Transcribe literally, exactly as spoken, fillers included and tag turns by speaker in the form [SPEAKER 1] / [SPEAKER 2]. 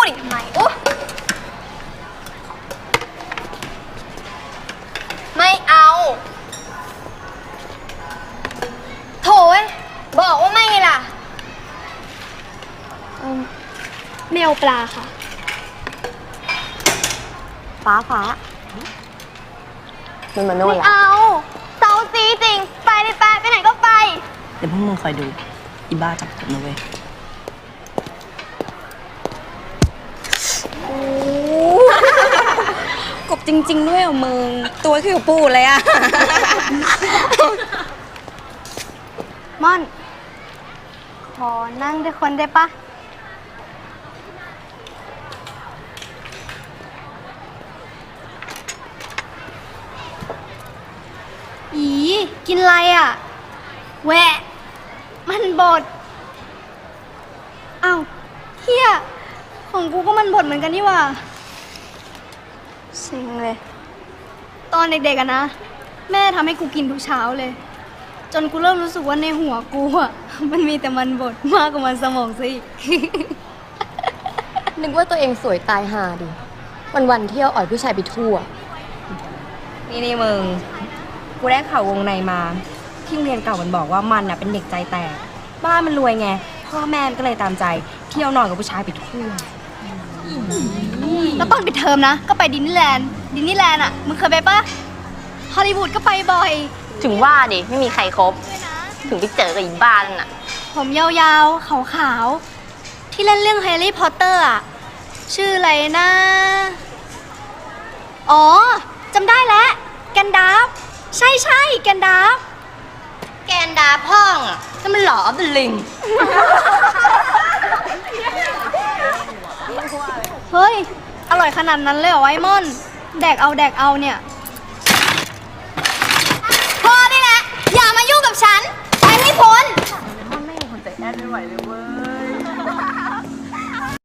[SPEAKER 1] อีกทำไมโอ้ไม่เอาโถ่เว้ยบอกว่าไม่ไงล่ะไม่เอาปลาค่ะฟ้าฟ้ามันมาโน่นละไม่เอาเซาซีจริงไปเลยไปไปไหนก็ไป
[SPEAKER 2] เดี๋ยวพวกมึงคอยดูอีบ้าจับกบนะเว้ยกบจริงๆด้วยอ่ะมึงตัวคือปูเลยอ่ะ
[SPEAKER 1] ม่อนขอนั่งด้วยคนได้ปะอีกินอะไรอ่ะแหวะมันบดอ้าวเฮียของกูก็มันบดเหมือนกันนี่ว่าเซ็งเลยตอนเด็กๆอะนะแม่ทำให้กูกินทุกเช้าเลยจนกูเริ่มรู้สึกว่าในหัวกูอะมันมีแต่มันบดมากกว่ามันสมองซะอีก
[SPEAKER 3] นึกว่าตัวเองสวยตายห่าดิวันๆเที่ยวอ่อยผู้ชายไปทั่ว
[SPEAKER 2] นี่นี่มึงกูได้ข่าววงในมาที่โรงเรียนเก่ามันบอกว่ามันน่ะเป็นเด็กใจแตกบ้านมันรวยไงพ่อแม่ก็เลยตามใจเที่ยวนอนกับผู้ชายไปทั่ว
[SPEAKER 1] แล้วตอนปิดเทอมนะก็ไปดิสนีย์แลนด์ดิสนีย์แลนด์อ่ะมึงเคยไปปะฮอลลีวูดก็ไปบ่อย
[SPEAKER 4] ถึงว่าดิไม่มีใครครบถึงไปเจอกับอีบ้านน่ะ
[SPEAKER 1] ผมยาวๆขาวๆที่เล่นเรื่องแฮร์รี่พอตเตอร์อ่ะชื่ออะไรนะอ๋อจำได้แล้วแกนดาฟใช่ใช่แกนดาฟ
[SPEAKER 4] แกนดาพ่องอ่ะนั่นมันหล่อเป็นลิง
[SPEAKER 1] เฮ้ยอร่อยขนาดนั้นเลยเหรอไวมอนแดกเอาแดกเอาเนี่ยพอได้แล้วอย่ามายุ่งกับฉันไปให้พ้น
[SPEAKER 2] ไม่มีคนใจแอนไม่ไหวเลย